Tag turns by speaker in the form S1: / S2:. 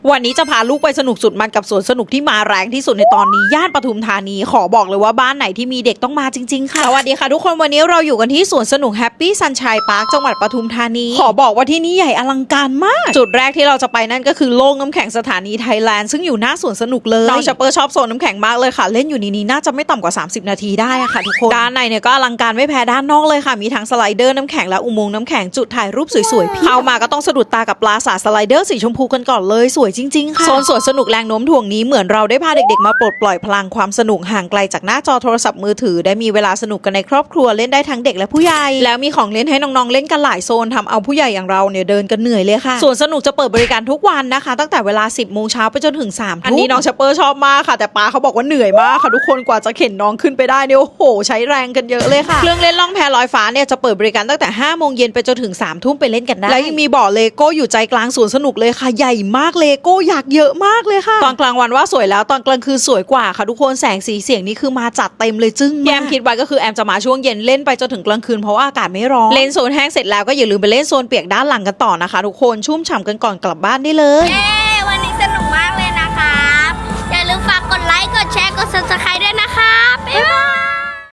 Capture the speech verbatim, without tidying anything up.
S1: วันนี้จะพาลูกไปสนุกสุดมันกับสวนสนุกที่มาแรงที่สุดในตอนนี้ย่านปทุมธานีขอบอกเลยว่าบ้านไหนที่มีเด็กต้องมาจริงๆค่ะสวัสดีค่ะทุกคนวันนี้เราอยู่กันที่สวนสนุกแฮปปี้ซันชัยพาร์คจังหวัดปทุมธานีขอบอกว่าที่นี่ใหญ่อลังการมากจุดแรกที่เราจะไปนั่นก็คือโล่งน้ำแข็งสถานีไทยแลนด์ซึ่งอยู่หน้าสวนสนุกเลยน้องชปเปอร์ชอบโซนน้ำแข็งมากเลยค่ะเล่นอยู่ในนี้น่าจะไม่ต่ำกว่าสามสิบนาทีได้อะค่ะทุกคนด้านในเนี่ยก็อลังการไม่แพ้ด้านนอกเลยค่ะมีทั้งสไลเดอร์น้ำแข็งและอุโมงค์น้ำแข็งจุดถ่ายรูปสวยๆเข้ามาก็ต้องสะดุดตากับปราสาทสไลเดอร์สีชมพูกันก่อนเลยสวยจริงๆค่ะโซนสวนสนุกแรงโน้มถ่วงนี้เหมือนเราได้พาเด็กๆมาปลดปล่อยพลังความสนุกห่างไกลจากหน้าจอโทรศัพท์มือถือได้มีเวลาสนุกกันในครอบครัวเล่นได้ทั้งเด็กและผู้ใหญ่แล้วมีของเล่นให้น้องๆเล่นกันหลายโซนทำเอาผู้ใหญ่อย่างเราเนี่ยเดินกันเหนื่อยเลยค่ะสวนสนุกจะเปิดบริการทุกวันนะคะตั้งแต่เวลาสิบโมงเช้าไปจนถึงสามทุ่มอันนี้น้องชปเปอร์ชอบมากค่ะแต่ป้าเขาบอกว่าเหนื่อยมากค่ะทุกคนกว่าจะเข็นน้องขึ้นไปได้เนี่ยโอ้โหใช้แรงกันเยอะเลยค่ะเครื่องเล่นล่องแพลอยฟ้าเนี่ยจะเปิดบริการตั้งแต่ห้าโมงเย็นไปจนถึงสามทุ่มไปเล่นกันได้แล้วยังมีบ่อเลโก้อยู่ใจกลางสวนสนุกเลยค่ะใหญ่มากเลโก้อยากเยอะมากเลยค่ะตอนกลางวันว่าสวยแล้วตอนกลางคืนสวยกว่าค่ะทุกคนแสงสีเสียงนี่คือมาจัดเต็มเลยจึ้งแอมคิดไว้ก็คือแอมจะมาช่วงเย็นเล่นไปจนถึงกลางคืนเพราะว่าอากาศไม่ร้อนเล่นโซนแห้งเสร็จแล้วก็อย่าลืมไปเล่นโซนเปียกด้านหลังกันต่อนะคะทุกคนชุ่มฉ่ำกันก่อนกลับบ้านได้เลย